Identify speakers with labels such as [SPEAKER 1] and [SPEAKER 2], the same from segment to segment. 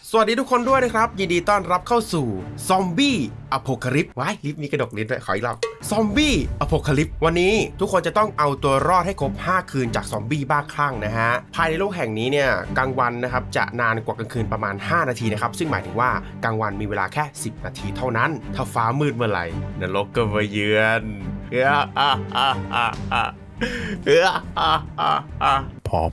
[SPEAKER 1] สวัสดีทุกคนด้วยนะครับยินดีต้อนรับเข้าสู่ซอมบี้อโพคาลิปส์ว้ายลิฟต์มีกระดกลิ้นด้วยขออีกรอบซอมบี้อโพคาลิปส์วันนี้ทุกคนจะต้องเอาตัวรอดให้ครบ5คืนจากซอมบี้บ้าคลั่งนะฮะภายในโลกแห่งนี้เนี่ยกลางวันนะครับจะนานกว่ากลางคืนประมาณ5นาทีนะครับซึ่งหมายถึงว่ากลางวันมีเวลาแค่10นาทีเท่านั้นถ้าฟ้ามืดเมื่อไหร่นรกก็มาเยือนพอ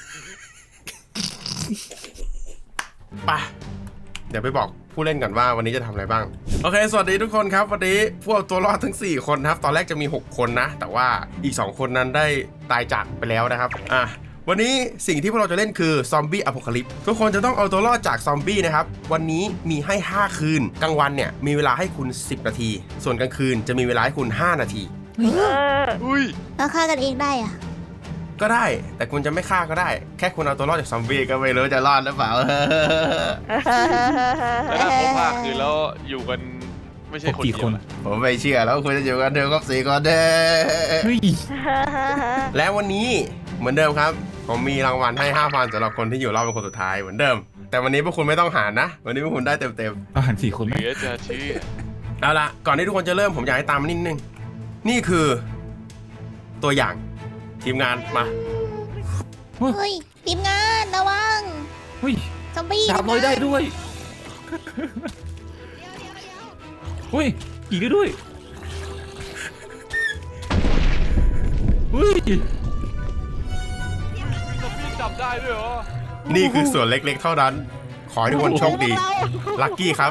[SPEAKER 1] ไปเดี๋ยวไปบอกผู้เล่นก่อนว่าวันนี้จะทำอะไรบ้างโอเคสวัสดีทุกคนครับวันนี้พวกตัวรอดทั้ง4คนนะครับตอนแรกจะมี6คนนะแต่ว่าอีก2คนนั้นได้ตายจากไปแล้วนะครับวันนี้สิ่งที่พวกเราจะเล่นคือซอมบี้อโพคาลิปส์ทุกคนจะต้องเอาตัวรอดจากซอมบี้นะครับวันนี้มีให้5คืนกลางวันเนี่ยมีเวลาให้คุณ10นาทีส่วนกลางคืนจะมีเวลาให้คุณ5นาที
[SPEAKER 2] เราฆ่ากันเองได้อะ
[SPEAKER 1] ก็ได้แต่คุณจะไม่ฆ่าก็ได้แค่คุณเอาตัวรอดจากซอมบี้ก็ไม่รู้จะรอดหรือเปล่า
[SPEAKER 3] แล้วถ้าเขาพาคือแล้วอยู่กันไม่ใช่คนเดียว
[SPEAKER 1] ผมไม่เชื่อแล้วคุณจะอยู่กันเดิมครบ4คนเด้และวันนี้เหมือนเดิมครับผมมีรางวัลให้ 5,000 สำหรับคนที่อยู่รอบเป็นคนสุดท้ายเหมือนเดิมแต่วันนี้พวกคุณไม่ต้องหารนะวันนี้พวกคุณได้เต็ม
[SPEAKER 4] อาหาร4คนไหม
[SPEAKER 3] จะชี้
[SPEAKER 1] เอาละก่อนที่ทุกคนจะเริ่มผมอยากให้ตามมานิดนึงนี่คือตัวอย่างทีมงานมา
[SPEAKER 2] เฮ้ยทีมงานระวังซอมบี้
[SPEAKER 4] ดาบลอยได้ด้วยเฮ้ยขี่ได้ด้วยเฮ้ย
[SPEAKER 3] มีซอมบี้จับได้ด้วยเหรอ
[SPEAKER 1] นี่คือส่วนเล็กๆเท่านั้นขอให้ทุกคนโชคดีลัคกี้ครับ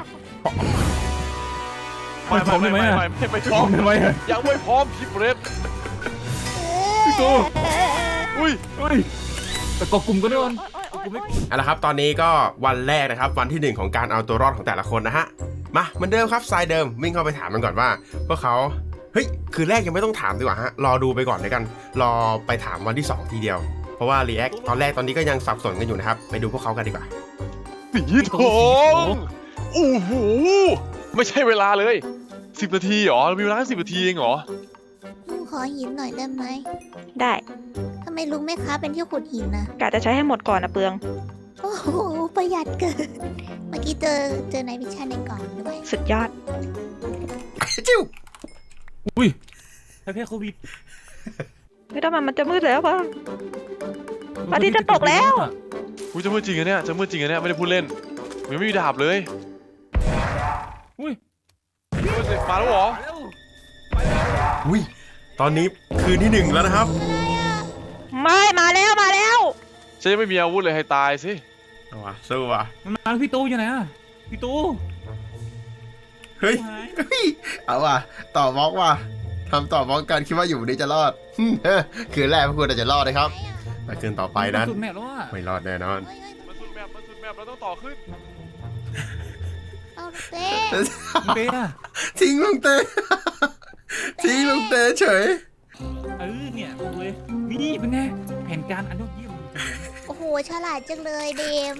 [SPEAKER 3] ไม่พร้อมได้ไหมไม่พร้อมยังไม่พร้อมพี่เบรด
[SPEAKER 4] พี่ตู
[SPEAKER 3] อุ้ย
[SPEAKER 4] แต่กลุ่มก็โดน
[SPEAKER 1] เอาละครับตอนนี้ก็วันแรกนะครับวันที่1ของการเอาตัวรอดของแต่ละคนนะฮะมาเหมือนเดิมครับทรายเดิมวิ่งเข้าไปถามมันก่อนว่าพวกเขาเฮ้ยคือแรกยังไม่ต้องถามดีกว่าฮะรอดูไปก่อนเลยกันรอไปถามวันที่2ทีเดียวเพราะว่ารีแอคตอนแรกตอนนี้ก็ยังสับสนกันอยู่นะครับไปดูพวกเขากันดีกว่า
[SPEAKER 3] สีทองโอ้โหไม่ใช่เวลาเลย10นาทีเหรอมีเวลา10นาทีเองเหรอ
[SPEAKER 2] ลุงขอหินหน่อยได้ไหม
[SPEAKER 5] ได้
[SPEAKER 2] ทำไมลุงไม่ค้าเป็นที่ขุดหินนะ
[SPEAKER 5] กะจะใช้ให้หมดก่อนนะเปลือง
[SPEAKER 2] โอ้โหประหยัดเกินเมื่อกี้เจอในวิชาในกล่องด้วย
[SPEAKER 5] สุดยอด
[SPEAKER 1] จิ้ว
[SPEAKER 4] อุ้ยแพ้โควิด
[SPEAKER 5] ไม่ต้องมันจะมืดแล้วป่ะอาทิตย์จะตกแล้ว
[SPEAKER 3] อุ้ยจะมืดจริงอะเนี่ยจะมืดจริงอะเนี่ยไม่ได้พูดเล่นมันไม่มีดาบเลย
[SPEAKER 4] อุ้ย
[SPEAKER 3] มาแล้วเหรอ
[SPEAKER 1] อุ้ยตอนนี้คืนที่1แล้วนะครับ
[SPEAKER 5] ไม่มาแล้ว
[SPEAKER 3] ฉันยังไม่มีอาวุธเลยให้ตายสิ
[SPEAKER 1] เอาวะสู้วะ
[SPEAKER 4] มันมาพี่ตูอยู่ไหนอะพี่ตู
[SPEAKER 1] เฮ้ยเอาวะต่อบล็อกว่ะทำต่อบล็อกกันคิดว่าอยู่นี้จะรอดคืนแรกพวกคุณจะรอดนะครับแต่คืนต่อไปนั้นไม่รอดแน่นอน
[SPEAKER 3] มันสุดแมปเราต้องต่อขึ้น
[SPEAKER 2] เอาเต้
[SPEAKER 1] ทิ้งลุงเต้ทิ้งลุงเต้เฉย
[SPEAKER 4] เนี่ยเลยนี่เป็นไงแผนการอันยอดเยี่ยม
[SPEAKER 2] โอ้โหฉลาดจังเลยเดม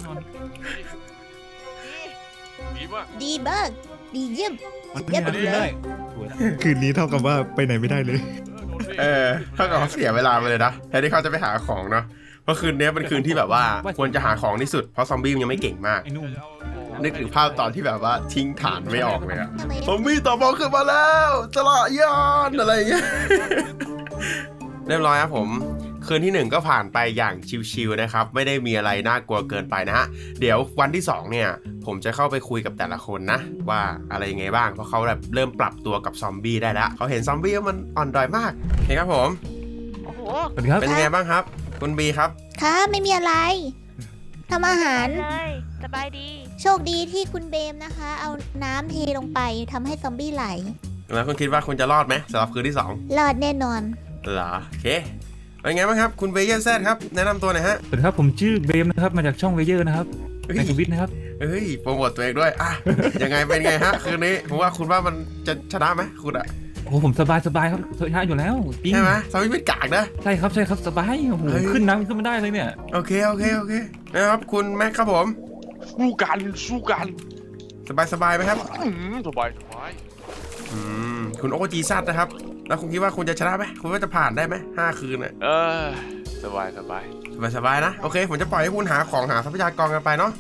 [SPEAKER 2] ดีมากดีเยี่ยม
[SPEAKER 4] เยี่ยมเลย
[SPEAKER 6] คืนนี้เท่ากับว่าไปไหนไม่ได้เลย
[SPEAKER 1] เท่ากับเขาเสียเวลาไปเลยนะแทนที่เขาจะไปหาของเนาะเพราะคืนนี้เป็นคืนที่แบบว่าควรจะหาของที่สุดเพราะซอมบี้มันยังไม่เก่งมากนึกถึงภาพตอนที่แบบว่าทิ้งฐานไม่ออกเลยอะซอมบี้ต่อบอลขึ้นมาแล้วจลายานอะไรเงี้ยเรียบร้อยครับผมคืนที่1ก็ผ่านไปอย่างชิวๆนะครับไม่ได้มีอะไรน่ากลัวเกินไปนะฮะเดี๋ยววันที่2เนี่ยผมจะเข้าไปคุยกับแต่ละคนนะว่าอะไรยังไงบ้างเพราะเขาแบบเริ่มปรับตัวกับซอมบี้ได้แล้วเขาเห็นซอมบี้ว่ามันอ่อนด้อยมากเห็นครับผม
[SPEAKER 5] โอ้โห
[SPEAKER 1] เป็นยังไงบ้างครับคุณบีครับ
[SPEAKER 2] ค่ะไม่มีอะไรทำอาหาร
[SPEAKER 5] สบายดี
[SPEAKER 2] โชคดีที่คุณเบมนะคะเอาน้ำเทลงไปทำให้ซอมบี้ไหล
[SPEAKER 1] แล้วคุณคิดว่าคุณจะรอดไหมสำหรับคืนที่2
[SPEAKER 2] รอดแน่นอน
[SPEAKER 1] เหรอโอเคเป็นไงบ้างครับคุณเบเยอร์แซดครับแนะนำตัวหน่อยฮะ
[SPEAKER 4] สวัสดีครับผมชื่อเบมนะครับมาจากช่องเบเยอร์นะครับในทวิตนะครับ
[SPEAKER 1] โปรโมทตัวเองด้วยยังไงเป็นไงฮะคืนนี้ผมว่าคุณว่ามันจะชนะไหมคุณอะ
[SPEAKER 4] โอ้ผมสบายครับชนะอยู่แล้ว
[SPEAKER 1] ใช่ไหมซอมบี้ไม่กากนะ
[SPEAKER 4] ใช่ครับสบายโอ้โหขึ้นน้ำขึ้นมาได้เลยเนี่ย
[SPEAKER 1] โอเคนะครับคุณแม็กครับผม
[SPEAKER 3] สู้กัน
[SPEAKER 1] สบายไหมครับ
[SPEAKER 3] สบาย
[SPEAKER 1] คุณโอจีซัดนะครับแล้วคุณคิดว่าคุณจะชนะไหมคุณว่าจะผ่านได้ไหม5คืนอ่ะ
[SPEAKER 3] สบาย
[SPEAKER 1] นะโอเคผมจะปล่อยให้คุณหาของหาทรัพยากรกันไปเนาะ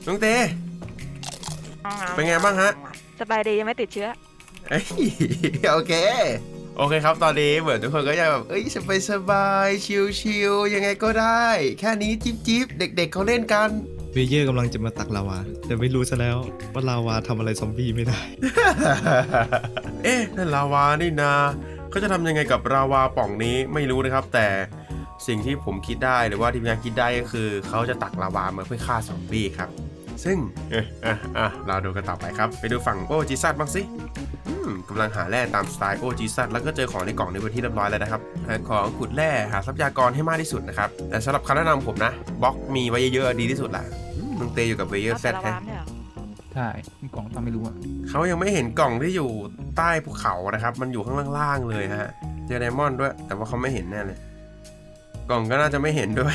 [SPEAKER 1] น้องเตเป็นไงบ้างฮะ
[SPEAKER 5] สบายดียังไม่ติดเชื้อ
[SPEAKER 1] เอ้ยโอเคครับตอนนี้เหมือนทุกคนก็จะแบบสบายชิลๆยังไงก็ได้ แค่นี้จิ๊บเด็กๆเขาเล่นกัน
[SPEAKER 6] เวเยอร์กำลังจะมาตักลาวา แต่ไม่รู้ซะแล้วว่าลาวาทำอะไรซอมบี้ไม่ได้
[SPEAKER 1] เอ๊ะนั่นลาวานี่นาเขาจะทำยังไงกับลาวาป่องนี้ไม่รู้นะครับ แต่สิ่งที่ผมคิดได้หรือว่าทีมงานคิดได้ก็คือเขาจะตักลาวามาเพื่อฆ่าซอมบี้ครับซึ่งเราดูกันต่อไปครับไปดูฝั่งโอจิซัตบ้างสิกำลังหาแร่ตามสไตล์โอจิซัตแล้วก็เจอของในกล่องในวันที่เรียบร้อยแล้วนะครับหาของขุดแร่หาทรัพยากรให้มากที่สุดนะครับแต่สำหรับคำแนะนำผมนะบล็อกมีไว้เยอะๆดีที่สุดแหละมึงเตยอยู่กับเวเยอร์แซด
[SPEAKER 5] เอา
[SPEAKER 1] แท้
[SPEAKER 5] แต่ละวามเนี่ยเหรอ
[SPEAKER 4] ใช่มีกล่องตามไม่รู้อะ
[SPEAKER 1] เขายังไม่เห็นกล่องที่อยู่ใต้ภูเขานะครับมันอยู่ข้างล่างๆเลยฮะเจอไดมอนด์ด้วย แต่ว่าเขาไม่เห็นแน่เลยกล่องก็น่าจะไม่เห็นด้วย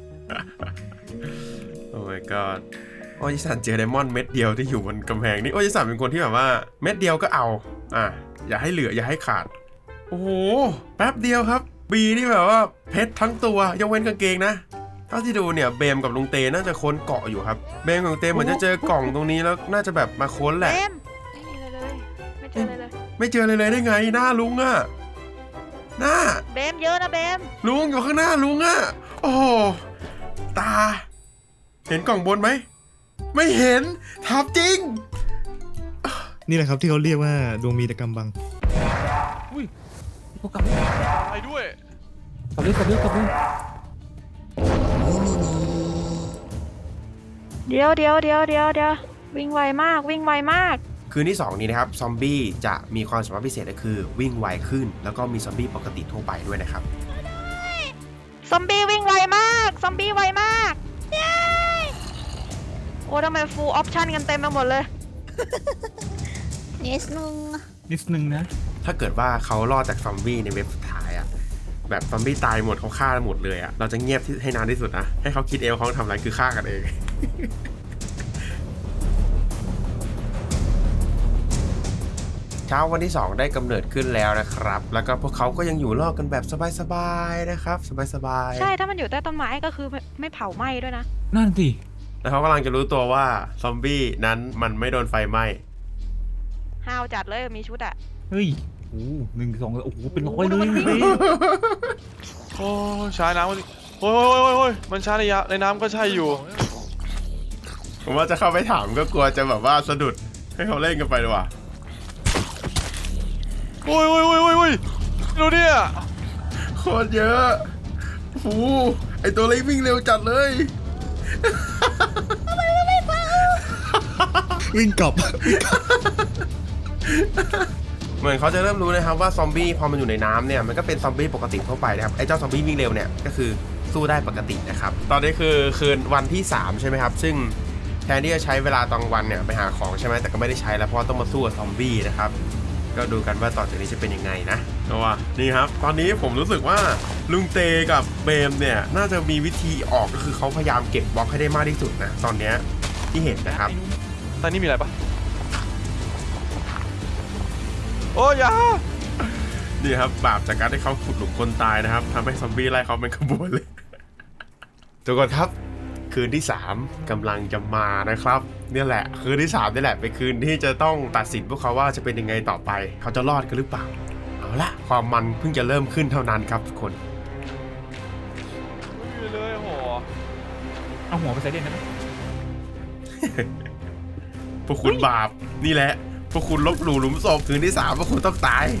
[SPEAKER 1] โอ้ my god โอจิสันเจอไดมอนด์เม็ดเดียวที่อยู่บนกำแพงนี่โอจิสันเป็นคนที่แบบว่าเม็ดเดียวก็เอาอย่าให้เหลืออย่าให้ขาดโอ้โหแป๊บเดียวครับบีนี่แบบว่าเพชรทั้งตัวยกเว้นกางเกงนะเท่าที่ดูเนี่ยเบมกับลุงเตน่าจะค้นเกาะอยู่ครับเบมกับลุงเตเหมือนจะเจอกล่องตรงนี้แล้วน่าจะแบบมาค้นแหละ
[SPEAKER 5] เบมไม่มีอะไรเลยไม่เจออะไรเลย
[SPEAKER 1] ไม่เจอเลยได้ไงหน้าลุงอะหน้า
[SPEAKER 5] เบมเยอะนะเบม
[SPEAKER 1] ลุงอยู่ข้างหน้าลุงอะโอ้โหตา เห็นกล่องบนไหมไม่เห็นทับจริง
[SPEAKER 6] นี่แหละครับที่เขาเรียกว่าดวงมีแต่กำบัง
[SPEAKER 4] อุ้ยพวกกลับเลย
[SPEAKER 3] ไปด้วย
[SPEAKER 4] กลับเลย
[SPEAKER 5] เดี๋ยววิ่งไวมากวิ่งไวมาก
[SPEAKER 1] คืนที่ 2 นี้นะครับซอมบี้จะมีความสามารถพิเศษก็คือวิ่งไวขึ้น แล้วก็มีซอมบี้ปกติทั่วไปด้วยนะครับ
[SPEAKER 5] ซอมบี้วิ่งไวมากซอมบี้ไวมากเย้โอ้ทำไมฟูลออปชั่นกันเต็มไปหมดเลย
[SPEAKER 2] เนสนึง
[SPEAKER 4] นิดนึงนะ
[SPEAKER 1] ถ้าเกิดว่าเขารอดจากซอมบี้ในเว็บสุดท้ายอะแบบซอมบี้ตายหมดเขาฆ่าหมดเลยอะเราจะเงียบให้นานที่สุดนะให้เขาคิดเองเขาทำอะไรคือฆ่ากันเอง เช้าวันที่ 2 ได้กำเนิดขึ้นแล้วนะครับแล้วก็พวกเขาก็ยังอยู่รอดกันแบบสบายๆนะครับสบายๆ
[SPEAKER 5] ใช่ถ้ามันอยู่ใต้ต้นไม้ก็คือไม่เผาไหม้ด้วยนะ
[SPEAKER 4] นั่นสิ
[SPEAKER 1] แล้วเขากำลังจะรู้ตัวว่าซอมบี้นั้นมันไม่โดนไฟไหม้
[SPEAKER 5] ห้าวจัดเลยมีชุดอะ
[SPEAKER 4] เฮ้ยโอ้1 2โอ้โหเป็นร้อยเลย
[SPEAKER 3] โอ้ใช้น้ำมันโอ้ยมันใช้ในน้ำก็ใช่อยู่
[SPEAKER 1] ผมว่าจะเข้าไปถามก็กลัวจะแบบว่าสะดุดให้เขาเล่นกันไปดีกว่า
[SPEAKER 3] โอ้ยดูเนี่ย
[SPEAKER 1] โคตรเยอะโอ้โหไอตัวเล็กวิ่งเร็วจัดเลย
[SPEAKER 6] วิ่งกลับ
[SPEAKER 1] เหมือนเขาจะเริ่มรู้นะครับว่าซอมบี้พอมันอยู่ในน้ำเนี่ยมันก็เป็นซอมบี้ปกติทั่วไปนะครับไอ้เจ้าซอมบี้วิ่งเร็วเนี่ยก็คือสู้ได้ปกตินะครับตอนนี้คือคืนวันที่3ใช่ไหมครับซึ่งแทนที่จะใช้เวลาตอนวันเนี่ยไปหาของใช่ไหมแต่ก็ไม่ได้ใช้แล้วเพราะต้องมาสู้กับซอมบี้นะครับก็ดูกันว่าต่อจากนี้จะเป็นยังไงนะเพราะว่านี่ครับตอนนี้ผมรู้สึกว่าลุงเตกับเบมเนี่ยน่าจะมีวิธีออกก็คือเขาพยายามเก็บบล็อกให้ได้มากที่สุดนะตอนเนี้ยที่เห็นนะครับ
[SPEAKER 3] ตอนนี้มีอะไรปะโอ้ยอย่า
[SPEAKER 1] นี่ครับบาปจากการที่เขาขุดหลุมคนตายนะครับทำให้ซอมบี้ไล่เขาเป็นขบวนเลย ทุกคนครับคืนที่ 3กำลังจะมานะครับเนี่ยแหละคืนที่3นี่แหละเป็นคืนที่จะต้องตัดสินพวกเขาว่าจะเป็นยังไงต่อไปเขาจะรอดกันหรือเปล่าเอาละความมันเพิ่งจะเริ่มขึ้นเท่านั้นครับทุกคน
[SPEAKER 3] ไม่มีเลยโห
[SPEAKER 4] เอาหัวไปใส่เด่นได้ไหม
[SPEAKER 1] พวกคุณบาปนี่แหละพวกคุณลบหลู่หลุมศพคืนที่3พวกคุณต้องตาย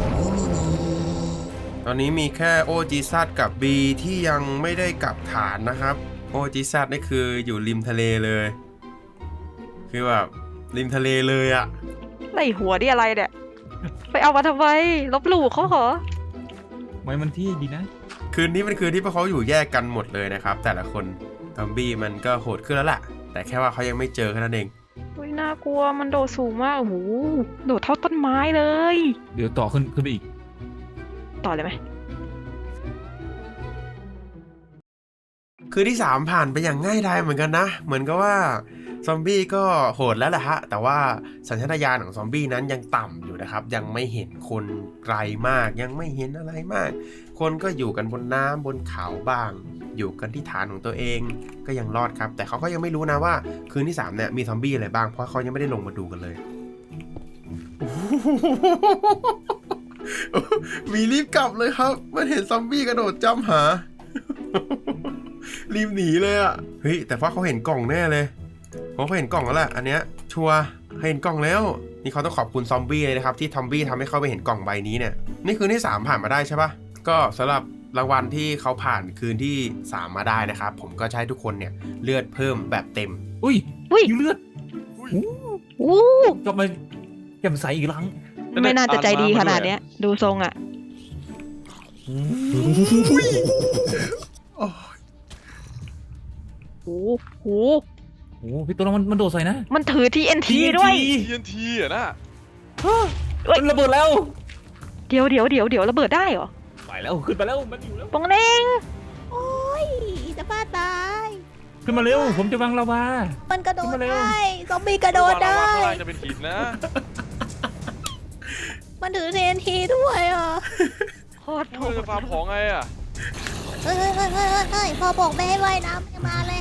[SPEAKER 1] ตอนนี้มีแค่โอจิซัตกับบีที่ยังไม่ได้กลับฐานนะครับโอจิซัตนี่คืออยู่ริมทะเลเลยคือแบบริมทะเลเลยอะ
[SPEAKER 5] ไล่หัวดิอะไรเนี่ยไปเอามาทำไมลบหลู่เขาเหรอ
[SPEAKER 4] ไว้มันที่ดีนะ
[SPEAKER 1] คืนนี้เป็นคืนที่พวกเขาอยู่แยกกันหมดเลยนะครับแต่ละคนซอมบี้มันก็โหดขึ้นแล้วล่ะแต่แค่ว่าเขายังไม่เจอแค่นั้นเอง
[SPEAKER 5] อุ้ยน่ากลัวมันโดดสูงมากโอ้โหโดดเท่าต้นไม้เลย
[SPEAKER 4] เดี๋ยวต่อขึ้นไปอีก
[SPEAKER 5] ต่อเลยไหม
[SPEAKER 1] คืนที่3ผ่านไปอย่างง่ายดายเหมือนกันนะเหมือนกับว่าซอมบี้ก็โหดแล้วแหละฮะแต่ว่าสัญชาตญาณของซอมบี้นั้นยังต่ำอยู่นะครับยังไม่เห็นคนไกลมากยังไม่เห็นอะไรมากคคนก็อยู่กันบนน้ำบนเขาบ้าง อยู่กันที่ฐานของตัวเองก็ยังรอดครับ แต่เขาก็ยังไม่รู้นะว่าคืนที่3เนี่ยมีซอมบี้อะไรบ้างเพราะเขายังไม่ได้ลงมาดูกันเลย มีรีบกลับเลยครับมันเห็นซอมบี้กระโดดจ้ำหา รีบหนีเลยอ่ะเฮ้ยแต่ว่าเขาเห็นกล่องแน่เลยเขาเห็นกล่องแล้วแหละอันเนี้ยชัวร์เห็นกล่องแล้วนี่เขาต้องขอบคุณซอมบี้เลยนะครับที่ซอมบี้ทำให้เขาไปเห็นกล่องใบนี้เนี่ยนี่คืนที่3ผ่านมาได้ใช่ปะก็สำหรับรางวัลที่เขาผ่านคืนที่3มาได้นะครับผมก็จะให้ทุกคนเนี่ยเลือดเพิ่มแบบเต็ม
[SPEAKER 4] อุ้ย
[SPEAKER 5] อุ้ย
[SPEAKER 4] ยิงเลือด
[SPEAKER 5] อู้
[SPEAKER 4] กลับมาแจ่มใสอีกครั้ง
[SPEAKER 5] ไม่น่าจะใจดีขนาดเนี้ย ดูทรงอ่ะโอ้โห
[SPEAKER 4] โอ้พี่ตัวเรามันโดดใส่นะ
[SPEAKER 5] มันถือ TNT ด้วย
[SPEAKER 3] TNT อ่ะนะ
[SPEAKER 4] มันระเบิดแล้ว
[SPEAKER 5] เดี๋ยวระเบิดได้เหรอ
[SPEAKER 4] ไปแล้วขึ้นไปแล้วมันอยู่แล้ว
[SPEAKER 5] ปองเน่ง
[SPEAKER 2] โอ้ยจะบ้าตาย
[SPEAKER 4] ขึ้นมาเร็วผมจะวางลาวา
[SPEAKER 2] มันกระโดด
[SPEAKER 4] ขึ้นมาเร็ว
[SPEAKER 2] ได้ซอมบี้กระโดดได้
[SPEAKER 3] ข้างล่างจะเป็นหินนะ
[SPEAKER 2] มันถือ TNT ด้วยอ่ะ
[SPEAKER 5] โคตรโห
[SPEAKER 3] เรา
[SPEAKER 5] ด
[SPEAKER 3] จะฟาร์มของไงอ่ะ
[SPEAKER 2] เฮ้ยพอบอกไม่ให้ว่ายน้ำไม่มาเลย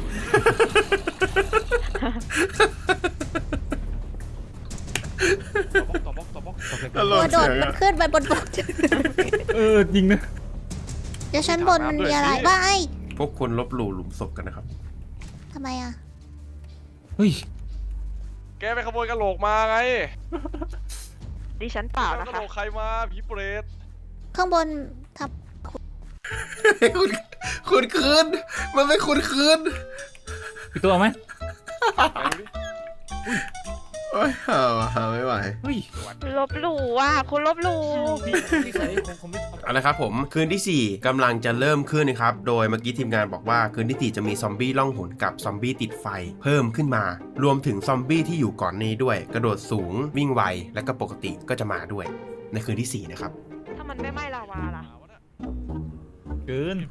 [SPEAKER 3] ต่อบล็อก
[SPEAKER 2] ตัวโดดมันขึ้นไปบนบก
[SPEAKER 4] จริงนะ
[SPEAKER 2] เดี๋ยวชั้นบนมันมีอะไรบ้างไอ้
[SPEAKER 1] พวกคุณลบหลู่หลุมศพกันนะครับ
[SPEAKER 2] ทำไมอ่ะ
[SPEAKER 4] เฮ้ย
[SPEAKER 3] แกไปขโมยกระโหลกมาไง
[SPEAKER 5] ดิฉันเปล่าก
[SPEAKER 3] ระ
[SPEAKER 5] นะ
[SPEAKER 3] โหล
[SPEAKER 5] คะ
[SPEAKER 3] กใครมาผีเปรต
[SPEAKER 2] ข้างบนทับ
[SPEAKER 1] คุณคืนมันไม่คุณคืน
[SPEAKER 4] พี่ตัวเอาไหม
[SPEAKER 3] ไหนดูดิ
[SPEAKER 1] โอ้ยหาไม่ไหว
[SPEAKER 4] เฮ้ย
[SPEAKER 5] ลบหลู่ว่ะคุณลบหลู่
[SPEAKER 4] พี่ใส่คงไม่
[SPEAKER 1] เอาละครับผมคืนที่ 4กำลังจะเริ่มขึ้นนะครับโดยเมื่อกี้ทีมงานบอกว่าคืนที่ 4จะมีซอมบี้ล่องหนกับซอมบี้ติดไฟเพิ่มขึ้นมารวมถึงซอมบี้ที่อยู่ก่อนนี้ด้วย กระโดดสูงวิ่งไวและก็ปกติก็จะมาด้วยในคืนที่ 4นะครับ
[SPEAKER 5] ถ้ามันไม่ไหม้ลาวาล่ะ
[SPEAKER 4] เกิน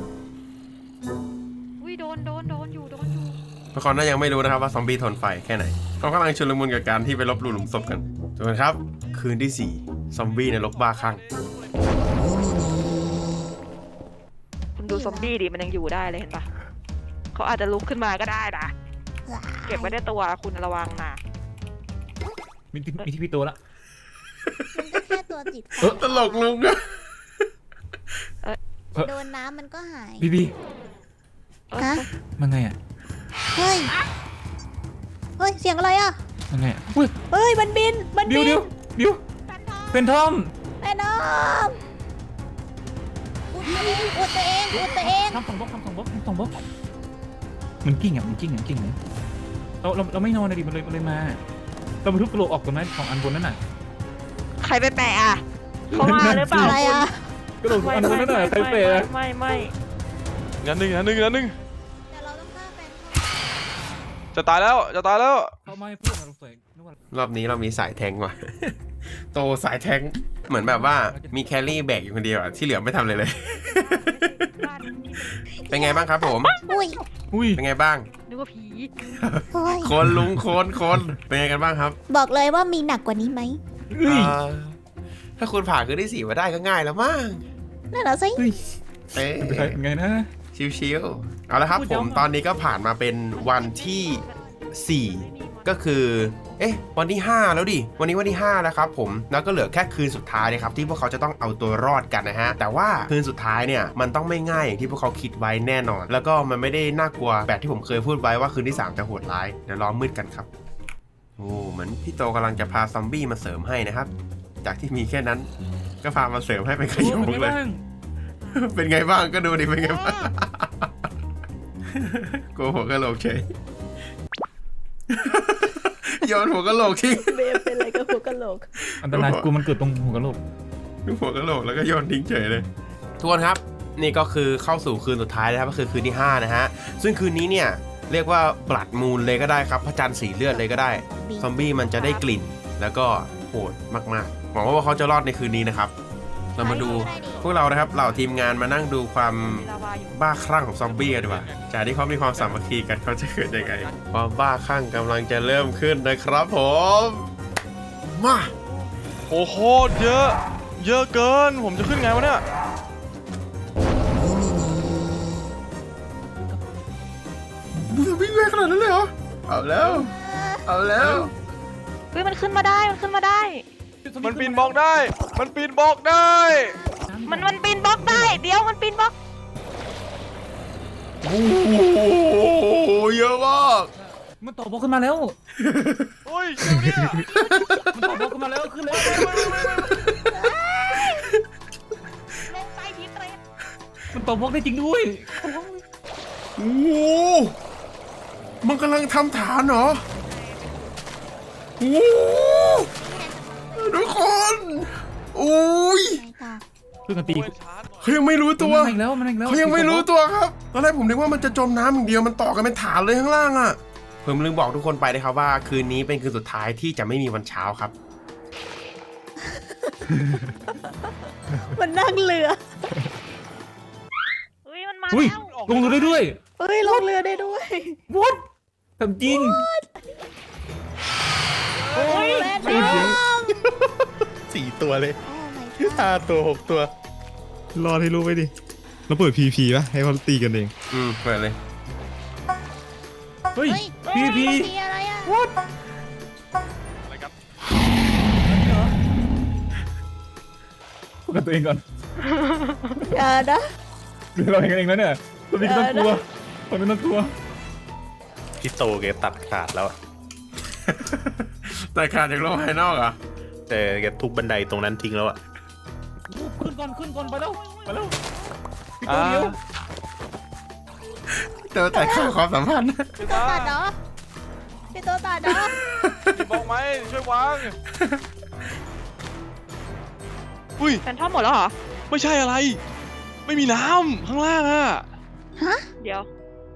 [SPEAKER 5] อุ้ยโดนอยู่
[SPEAKER 1] ทุกคนน่ายังไม่รู้นะครับว่าซอมบี้ทนไฟแค่ไหนเขากำลังชุลมุนกับการที่ไปลบหลู่หลุมศพกันทุกคนครับคืนที่ 4ซอมบี้ในรกบ้าคลั่ง
[SPEAKER 5] คุณดูซอมบี้ดิมันยังอยู่ได้เลยเห็นปะเขาอาจจะลุกขึ้นมาก็ได้นะ เก็บไว้ในตัวคุณระวังนะ
[SPEAKER 4] มีที่พี่ตัวละ
[SPEAKER 2] มันก็แค่ตัวติดไฟ
[SPEAKER 1] ตลกลุงอะ
[SPEAKER 2] โดนน้ำมันก็หาย
[SPEAKER 4] บี
[SPEAKER 2] ฮะ
[SPEAKER 4] มันไงอ่ะ
[SPEAKER 2] เฮ้ยเสียงอะไรอ่ะ
[SPEAKER 4] มันไงอ่ะอุ้ย
[SPEAKER 2] เฮ้ยมันบิน
[SPEAKER 4] เดี๋ยวเป็นทอม
[SPEAKER 2] แม่น้องอุดตัวเอง
[SPEAKER 4] ทำสองบล็อกมันกิ้งเลยเราไม่นอนเลยดิมันเลยมาเราไปทุบกระโหลกออกกันไหมของอันบนนั่นน่ะ
[SPEAKER 5] ใครไปแปะอ่ะเขามาหรือเปล่า
[SPEAKER 2] อะไรอ่ะ
[SPEAKER 4] กระโหลกอันบนนั่นน่ะใครเปย์
[SPEAKER 5] ไม่
[SPEAKER 3] งั้นหนึ่ง
[SPEAKER 2] เดี๋ยวเราต้องฆ่าแฟน
[SPEAKER 3] จะตายแล้ว
[SPEAKER 4] เขาไม่พูดนะเราใส่นึกว่าร
[SPEAKER 1] อบนี้เรามีสายแทงว่ะ โตสายแทงเหมือนแบบว่ามีแครี่แบกอยู่คนเดียวอะที่เหลือไม่ทำเลย เป็นไงบ้างครับผม
[SPEAKER 2] อุ้ย
[SPEAKER 1] เป็นไงบ้าง
[SPEAKER 5] นึกว่าผี
[SPEAKER 2] โอ้ย
[SPEAKER 1] คนลุงคนเป็นไงกันบ้างครับ
[SPEAKER 2] บอกเลยว่ามีหนักกว่านี้ไหม
[SPEAKER 4] เฮ้ย
[SPEAKER 1] ถ้าคุณผ่านคืนที่ 4มาได้ก็ง่ายแล้วมั้ง
[SPEAKER 2] นั่นเหรอสิ
[SPEAKER 4] เฮ้ย
[SPEAKER 1] เอ๊ะ
[SPEAKER 4] เป็นไงนะ
[SPEAKER 1] ชิวๆเอาละครับผมตอนนี้ก็ผ่านมาเป็นวันที่ 4 ก็คือวันที่ 5 แล้วดิวันนี้วันที่ 5 แล้วครับผมแล้วก็เหลือแค่คืนสุดท้ายเลยครับที่พวกเขาจะต้องเอาตัวรอดกันนะฮะแต่ว่าคืนสุดท้ายเนี่ยมันต้องไม่ง่ายอย่างที่พวกเขาคิดไว้แน่นอน แล้วก็มันไม่ได้น่ากลัวแบบที่ผมเคยพูดไว้ว่าคืนที่ 3 จะโหดร้ายเดี๋ยวรอมืดกันครับโอ้เหมือนพี่โตกำลังจะพาซอมบี้มาเสริมให้นะครับจากที่มีแค่นั้นก็พามาเสริมให้เป็นขยงเลย เป็นไงบ้างก็ดูดิเป็นไงบ้าง โกหัวกะโหลกเฉย โยนหัวกะโหลกทิ้ง
[SPEAKER 2] เบลเป็นอะไรกับหัวกะโหลก
[SPEAKER 4] อันตรายกูมันเกิดตรงหัวกะโหลก
[SPEAKER 1] หัวกะโหลกแล้วก็โยนทิ้งเฉยเลยทุกคนครับนี่ก็คือเข้าสู่คืนสุดท้ายนะครับก็คือคืนที่ 5 นะฮะซึ่งคืนนี้เนี่ยเรียกว่าบลัดมูนเลยก็ได้ครับพระจันทร์สีเลือดเลยก็ได้ซอมบี้มันจะได้กลิ่นแล้วก็โหดมากๆหวังว่าเขาจะรอดในคืนนี้นะครับเรามาดูพวกเรานะครับเหล่าทีมงานมานั่งดูความ
[SPEAKER 5] มีลาวาอยู่
[SPEAKER 1] บ้าคลั่งของซอมบี้กันดีกว่าจากที่เขามีความสามัคคีกันเขาจะเกิดยังไงความบ้าคลั่งกำลังจะเริ่มขึ้นนะครับผมมา
[SPEAKER 3] โอ้โคตรเยอะ เยอะเกิน ผมจะขึ้นไงวะเนี่ย
[SPEAKER 1] ซอมบี้แรงขนาดนั้นเลยเหรอเอาแล้วเอาแล้ว
[SPEAKER 5] เฮ้ยมันขึ้นมาได้มันขึ้นมาได้
[SPEAKER 3] มันปีนบล็อกได้ มันปีนบล็อกได้
[SPEAKER 5] มันปีนบล็อกได้เดี๋ยวมันปีนบล็อก
[SPEAKER 1] โอ้โหเยอะมาก
[SPEAKER 4] มันต่อบล็อกขึ้นมาแล้ว
[SPEAKER 3] โอ้ยเดี๋ยวเนี่ย
[SPEAKER 4] มันต่อบล็อกขึ้นมาแล้วขึ้นแล้ว
[SPEAKER 5] ลงไปทีเตรน
[SPEAKER 4] มันต่อบล็อกได้จริงด้วย
[SPEAKER 1] โอ้โหมันกำลังทำฐานเหรอโอ้โหทุกคนอุ้ย
[SPEAKER 2] ไงต่อ
[SPEAKER 4] ช่วยกันตี
[SPEAKER 1] เขายังไม่รู้ตัว
[SPEAKER 4] มันมาอีกแล้วมันมาอีกแล้ว
[SPEAKER 1] เขายังไม่รู้ตัวครับตอนแรกผมนึกว่ามันจะจมน้ำอย่างเดียวมันต่อกันเป็นฐานเลยข้างล่างอ่ะผมลืมบอกทุกคนไปนะครับว่าคืนนี้เป็นคืนสุดท้ายที่จะไม่มีวันเช้าครับ
[SPEAKER 2] มันนั่งเรือ
[SPEAKER 5] เฮ้ยมันมา
[SPEAKER 4] อุ้ย
[SPEAKER 5] แล้ว
[SPEAKER 4] ลงเรือได้ด้วย
[SPEAKER 2] เฮ้ยลงเรือได้ด้วย
[SPEAKER 4] what ทำจริง
[SPEAKER 5] โอ้ย
[SPEAKER 2] แม่
[SPEAKER 4] ไม่เยอะ
[SPEAKER 6] 4 ตัวเลย
[SPEAKER 2] โอ้ my god
[SPEAKER 6] 5 ตัว 6 ตัว รอดให้รู้ไว้ดิเราเปิด PVP ป่ะ ให้เขาตีกันเอง
[SPEAKER 1] เปิดเลย
[SPEAKER 4] เฮ้ย
[SPEAKER 2] เฮ้ย
[SPEAKER 4] พี
[SPEAKER 2] มีอะไรอ่ะ
[SPEAKER 3] อะไรครับ
[SPEAKER 4] พูดกับตัวเองก่อน
[SPEAKER 2] อย่านะ
[SPEAKER 4] หรือเราเองกันเองแล้วเนี่ยตัวนี้ก็ต้องกลัวตัวนี้ต้องกลัว
[SPEAKER 7] พี่โตแกตัดขาดแล้วอะ
[SPEAKER 1] แต่ขาดจากโลกภายนอกเหรอ่ะ
[SPEAKER 7] แต่แกทุบบันไดตรงนั้นทิ้งแล้วอะ
[SPEAKER 4] ขึ้นก่อนไปแล้วพี่
[SPEAKER 3] อ่า
[SPEAKER 4] ตัวเดียว
[SPEAKER 1] แต่ขาดความสัมพันธ์
[SPEAKER 2] พี่ตัวตัดเหรอพี่ตัวตัดเหรอ
[SPEAKER 3] มีบล็อกไหมช่วยวางอุ้ย
[SPEAKER 5] แฟนทอมหมดแล้วเหรอ
[SPEAKER 3] ไม่ใช่อะไร ไม่มีน้ำข้างล่างอะ
[SPEAKER 5] เดี๋ยว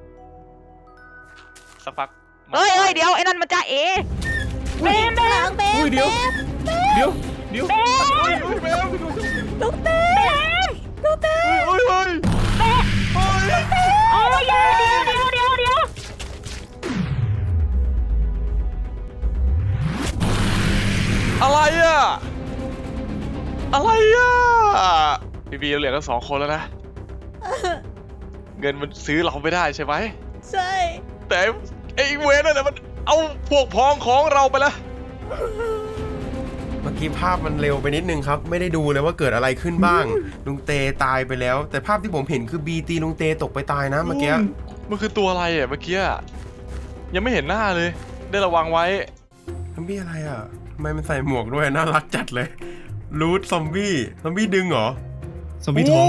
[SPEAKER 3] สักพัก
[SPEAKER 5] เอ้ยเดี๋ยวไอ้นั่นมันจะเอเบม
[SPEAKER 2] หลังเบม
[SPEAKER 4] อุ้ยเดี๋ยว
[SPEAKER 2] เบม
[SPEAKER 4] เดี๋ยว
[SPEAKER 3] เฮ้ยเบล
[SPEAKER 2] ลูกเต้ลูกเต้
[SPEAKER 3] เฮ้ยเฮ้ย
[SPEAKER 5] โอ้ยเดี๋ยว
[SPEAKER 3] อะไรอะอะไรอะบีเราเหลือกัน2 คนแล้วนะ เงินมันซื้อเราไม่ได้ใช่ไหม
[SPEAKER 2] ใช่
[SPEAKER 3] แต่ไอ้เวรนั่นน่ะมันเอาพวกพ้องของเราไปแล้ว
[SPEAKER 1] เมื่อกี้ภาพมันเร็วไปนิดนึงครับ ไม่ได้ดูเลยว่าเกิดอะไรขึ้นบ้าง ลุงเตตายไปแล้ว แต่ภาพที่ผมเห็นคือบีตีลุงเตตกไปตายนะเมื่อกี้
[SPEAKER 3] มันคือตัวอะไรอ่ะเมื่อกี้อะยังไม่เห็นหน้าเลย ได้ระวังไว้
[SPEAKER 1] ซอมบี้อะไรอ่ะทำไมมันใส่หมวกด้วยน่ารักจัดเลยรูทซอมบี้ดึงเหรอ
[SPEAKER 6] ซอมบี้ท้อง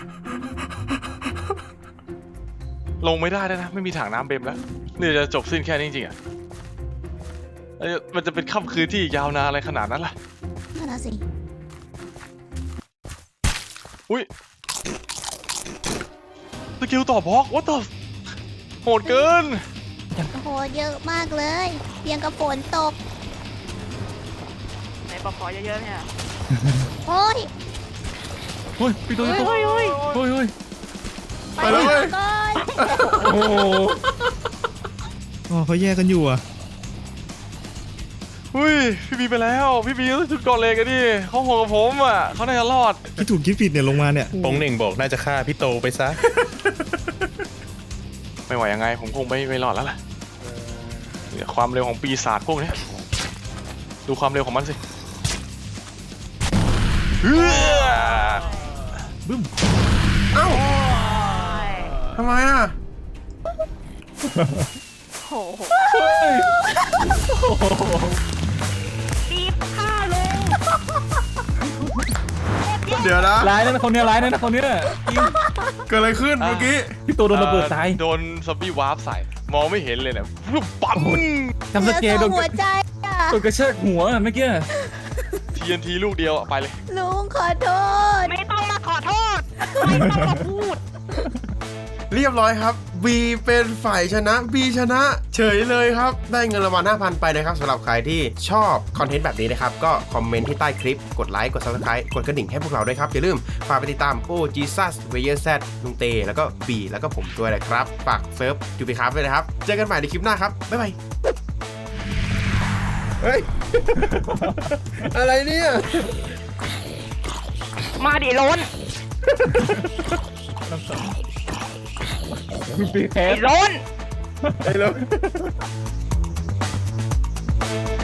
[SPEAKER 3] ลงไม่ได้แล้วนะ ไม่มีถังน้ำเบมแล้วนี่จะจบสิ้นแค่นี้จริงๆอ่ะมันจะเป็นค่ำคืนที่ยาวนานอะไรขนาดนั้นล่ะ
[SPEAKER 2] นั่นน่ะสิ
[SPEAKER 3] อุ้ยสกิลต่อบล็อกwhat the โหดเกิน
[SPEAKER 2] โอ้โหเยอะมากเลยเพียงกับฝนตก
[SPEAKER 5] ไหนบอกขอเยอะๆเนี่ย
[SPEAKER 2] โอ้ย
[SPEAKER 4] เฮ้ยพี่ตัวนี้ตัว
[SPEAKER 5] เฮ้ย
[SPEAKER 1] ไปเลยเว้ย
[SPEAKER 2] ก่อน
[SPEAKER 4] โอ้โห
[SPEAKER 6] อ๋อเขาแยกกันอยู่อ่ะ
[SPEAKER 3] อุ้ยพี่บีไปแล้วพี่บีต้องจุดก่อนเลยกันดิเขาโหดกับผมอ่ะเขาน่าจะรอด
[SPEAKER 6] คิดถูกคิดผิดเนี่ยลงมาเนี่ย
[SPEAKER 7] ปงเหน่งบอกน่าจะฆ่าพี่โตไปซะ
[SPEAKER 3] ไม่ไหวยังไงผมคงไม่รอดแล้วล่ะเนี่ยความเร็วของปีศาจพวกเนี้ยดูความเร็วของมันสิเฮ้ย
[SPEAKER 4] บึ้ม
[SPEAKER 1] เอ้าทำไมอ่ะ
[SPEAKER 5] โอ้โห
[SPEAKER 4] เฮ้ย
[SPEAKER 5] รีบฆ่าลง
[SPEAKER 1] เดี๋ยวนะ
[SPEAKER 4] ร้ายนะคนเนี้ยร้ายนะคนเนี้ยจริง
[SPEAKER 1] เกิดอะไรขึ้นเมื่อกี้
[SPEAKER 4] พี่โตโดนระเบิดตาย
[SPEAKER 3] โดนซอมบี้วาร์ปใส่ มองไม่เห็นเลยเนี่ยปุ๊บปั๊ม
[SPEAKER 4] ทำสเกล
[SPEAKER 2] เห
[SPEAKER 4] โด
[SPEAKER 2] ลือน หัวใจอ่ะ
[SPEAKER 4] โดนกระชากหัวเมื่อกี้
[SPEAKER 3] TNT ลูกเดียวอะไปเลย
[SPEAKER 2] ลุงขอโทษ
[SPEAKER 5] ไม่ต้องมาขอโทษไม่ต้องมาพูด
[SPEAKER 1] เรียบร้อยครับ B เป็นฝ่ายชนะ B ชนะเฉยเลยครับ ได้เงินรางวัล 5,000 ไปนะครับสำหรับใครที่ชอบคอนเทนต์แบบนี้นะครับ ก็คอมเมนต์ที่ใต้คลิป กดไลค์ กด Subscribe กดกระดิ่งให้พวกเราด้วยครับ อย่าลืมฝากไปติดตามโอ้จีซัสเวเยอร์แซดลุงเต แล้วก็ B แล้วก็ผมด้วยนะครับ ฝากเซิร์ฟจูบิครับด้วยนะครับ เจอกันใหม่ในคลิปหน้าครับ บ๊ายบาย เฮ้ย อะไรเนี่ย
[SPEAKER 5] มาดิล้น
[SPEAKER 4] ปีแค
[SPEAKER 5] ไอ้
[SPEAKER 4] ส
[SPEAKER 5] ล้น
[SPEAKER 1] ไอ้แล้ว